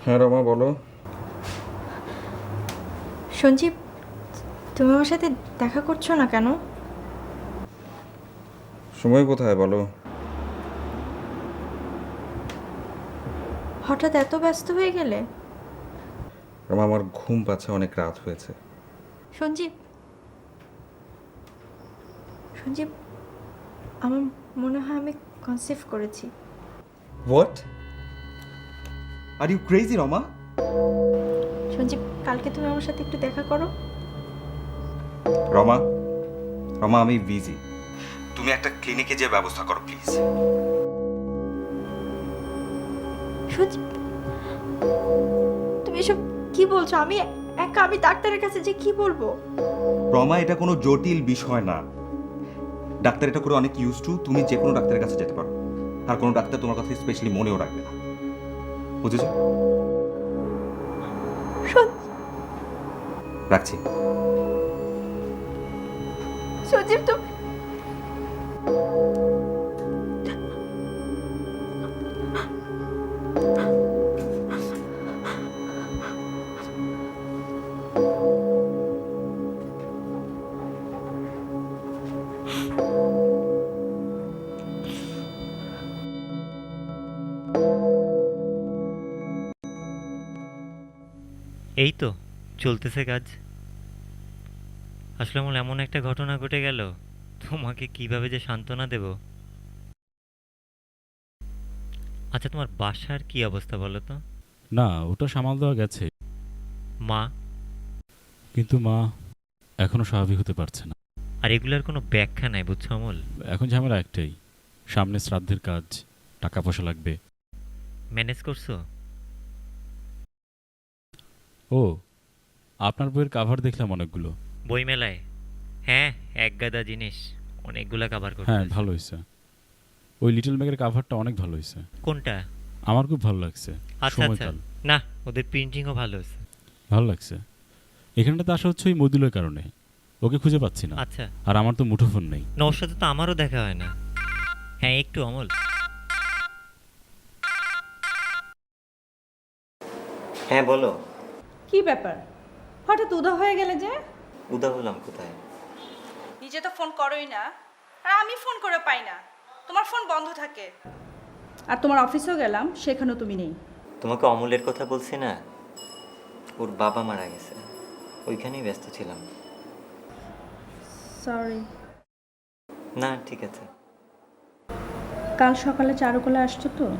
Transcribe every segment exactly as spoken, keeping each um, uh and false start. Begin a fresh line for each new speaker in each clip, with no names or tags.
হ্যাঁ রমা বলো।
সঞ্জীব, তুমি আমার সাথে দেখা করছো না কেন?
সময় কোথায় বলো?
হঠাৎ এত ব্যস্ত হয়ে গেলে?
রমা আমার ঘুম পাচ্ছে, অনেক রাত হয়েছে।
সঞ্জীব, সঞ্জীব, আমার মনে হয় আমি কনসিভ করেছি।
What? Are you crazy Rama?
Sanjeev, কালকে তুমি আমার সাথে একটু দেখা করো।
রমা, রমা আমি বিজি, তুমি একটা ক্লিনিকে যে ব্যবস্থা করো প্লিজ।
সঞ্জীব, তুমি এসব কি বলছো? আমি একা, আমি ডাক্তারের কাছে যে কি বলবো?
রমা এটা কোনো জটিল বিষয় না, ডাক্তার এটা করে অনেক ইউজ টু, তুমি যে কোনো ডাক্তারের কাছে যেতে পারো, আর কোনো ডাক্তার তোমার কথা স্পেশালি মনেও রাখবে না, বুঝেছো? রাখছি।
সঞ্জীব তুমি
এই তো চলতেছে কাজ। আসলে আমার এমন একটা ঘটনা ঘটে গেল, তোমাকে কিভাবে যে সান্ত্বনা দেব। আচ্ছা, তোমার বাসার কি অবস্থা বলো তো?
না, ওটা সামাল দেওয়া গেছে,
মা?
কিন্তু মা এখনো স্বাভাবিক হতে পারছে না।
আর এগুলার কোনো ব্যাখ্যা নাই, বুঝছো অমল?
এখন ঝামেলা একটাই, সামনে শ্রাদ্ধের কাজ, টাকা পয়সা লাগবে।
ম্যানেজ করছো?
ও, আপনার বইয়ের কাভার দেখলাম অনেকগুলো।
বই মেলায়? হ্যাঁ, এক গাদা জিনিস, অনেকগুলা কাভার করতে
হ্যাঁ,
হয়েছে।
ভালো হয়েছে। ওই লিটল ম্যাগের কাভারটা অনেক ভালো হয়েছে,
কোনটা?
আমার খুব ভালো লাগছে।
আচ্ছা আচ্ছা,
সময়কাল
না ওদের প্রিন্টিংও ভালো হয়েছে।
ভালো লাগছে। এখানটাতে আসা হচ্ছে ওই মদিলের কারণে, ওকে খুঁজে পাচ্ছি না।
আচ্ছা,
আর আমার তো মুঠোফোন নেই।
না ওর সাথে তো আমারও দেখা হয় না। হ্যাঁ একটু অমল। হ্যাঁ বলো।
কি ব্যাপার, হঠাৎ উদা হয়ে গেলে যে?
উদা হলাম কোথায়?
নিজে তো ফোন করোই না, আর আমি ফোন করে পাই না, তোমার ফোন বন্ধ থাকে। আর তোমার অফিসেও গেলাম, সেখানেও তুমি নেই।
তোমাকে অমলের কথা বলছি না, ওর বাবা মারা গেছে, ওইখানেই ব্যস্ত ছিলাম।
সরি।
না ঠিক আছে।
কাল সকালে চারুকলা আসছো তো?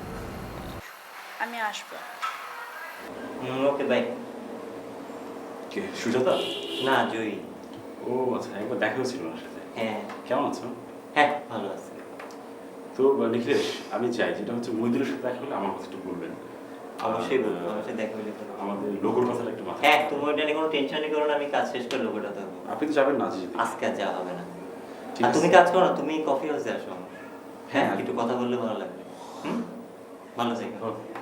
আমি আসবো।
Okay bye.
কে সুজাতা?
না জয়ী।
ও আচ্ছা, একবার দেখা হয়েছিল ওনার সাথে।
হ্যাঁ
কেমন আছো?
হ্যাঁ ভালো আছে।
তো নিখিলেশ, আমি চাই যেটা হচ্ছে মহিদুলের সাথে দেখা হলে আমার কথা একটু বলবেন।
অবশ্যই বলবো, আমার সাথে দেখা হলে বলবো।
আমাদের লোগোর কথাটা একটু মাথায়
হ্যাঁ,
রাখবেন।
তুমি ওইটা নিয়ে কোনো টেনশনই করো না, আমি কাজ শেষ করে লোকটা থাকবো।
আপনি তো যাবেন না আজকে যেতে?
আজকে আর যাওয়া হবে না।
ঠিক
আর
আছে।
তুমি কাজ করো না, তুমি কফি হাউসে আসো আমার। হ্যাঁ
হ্যাঁ,
একটু কথা বললে ভালো লাগবে। হুম, ভালো থেকো।
ওকে।